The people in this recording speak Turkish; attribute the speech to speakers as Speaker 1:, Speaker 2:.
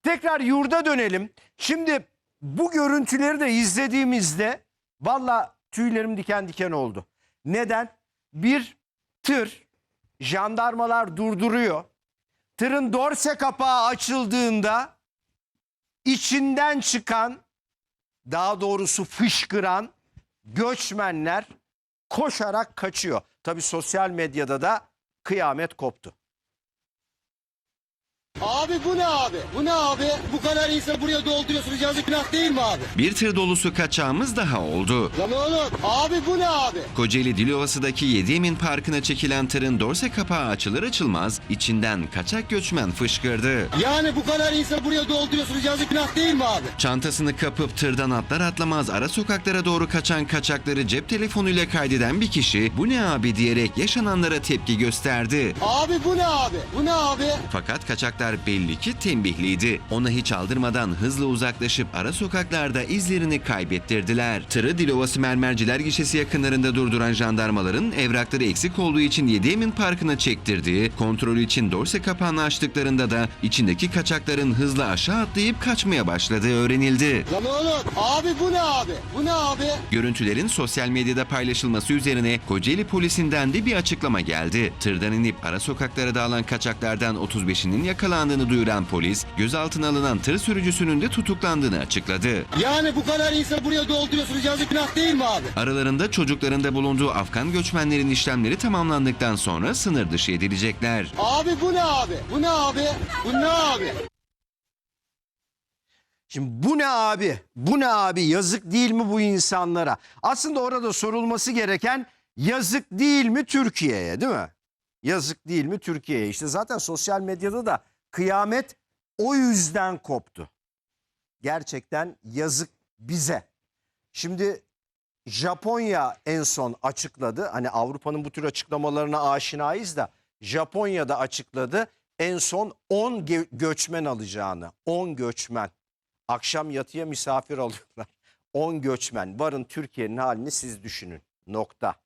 Speaker 1: Tekrar yurda dönelim. Şimdi bu görüntüleri de izlediğimizde valla tüylerim diken diken oldu. Neden? Bir tır, jandarmalar durduruyor. Tırın dorse kapağı açıldığında içinden çıkan, daha doğrusu fışkıran göçmenler koşarak kaçıyor. Tabii sosyal medyada da kıyamet koptu.
Speaker 2: Abi bu ne abi? Bu ne abi? Bu kadar insan buraya dolduruyorsunuz, yazık günah değil mi abi?
Speaker 3: Bir tır dolusu kaçağımız daha oldu.
Speaker 2: Lan oğlum abi bu ne abi?
Speaker 3: Kocaeli Dilovası'daki Yediemin Parkı'na çekilen tırın dorse kapağı açılır açılmaz içinden kaçak göçmen fışkırdı.
Speaker 2: Yani bu kadar insan buraya dolduruyorsunuz, yazık günah değil mi abi?
Speaker 3: Çantasını kapıp tırdan atlar atlamaz ara sokaklara doğru kaçan kaçakları cep telefonuyla kaydeden bir kişi "bu ne abi" diyerek yaşananlara tepki gösterdi.
Speaker 2: Abi bu ne abi? Bu ne abi?
Speaker 3: Fakat kaçaklar belli ki tembihliydi. Ona hiç aldırmadan hızla uzaklaşıp ara sokaklarda izlerini kaybettirdiler. Tırı Dilovası Mermerciler Gişesi yakınlarında durduran jandarmaların evrakları eksik olduğu için Yediemin Parkı'na çektirdiği, kontrolü için dorse kapağını açtıklarında da içindeki kaçakların hızla aşağı atlayıp kaçmaya başladığı öğrenildi.
Speaker 2: Lan oğlum abi bu ne abi? Bu ne abi?
Speaker 3: Görüntülerin sosyal medyada paylaşılması üzerine Kocaeli polisinden de bir açıklama geldi. Tırdan inip ara sokaklara dağılan kaçaklardan 35'inin yakalandığını duyuran polis, gözaltına alınan tır sürücüsünün de tutuklandığını açıkladı.
Speaker 2: Yani bu kadar insan buraya dolduruyorsunuz, yazık günah değil mi abi?
Speaker 3: Aralarında çocukların da bulunduğu Afgan göçmenlerin işlemleri tamamlandıktan sonra sınır dışı edilecekler.
Speaker 2: Abi bu ne abi? Bu ne abi? Bu ne abi?
Speaker 1: Şimdi bu ne abi? Bu ne abi? Yazık değil mi bu insanlara? Aslında orada sorulması gereken yazık değil mi Türkiye'ye, değil mi? Yazık değil mi Türkiye'ye? İşte zaten sosyal medyada da kıyamet o yüzden koptu. Gerçekten yazık bize. Şimdi Japonya en son açıkladı. Hani Avrupa'nın bu tür açıklamalarına aşinayız da Japonya'da açıkladı. En son 10 göçmen alacağını. 10 göçmen. Akşam yatıya misafir alıyorlar. 10 göçmen. Varın Türkiye'nin halini siz düşünün. Nokta.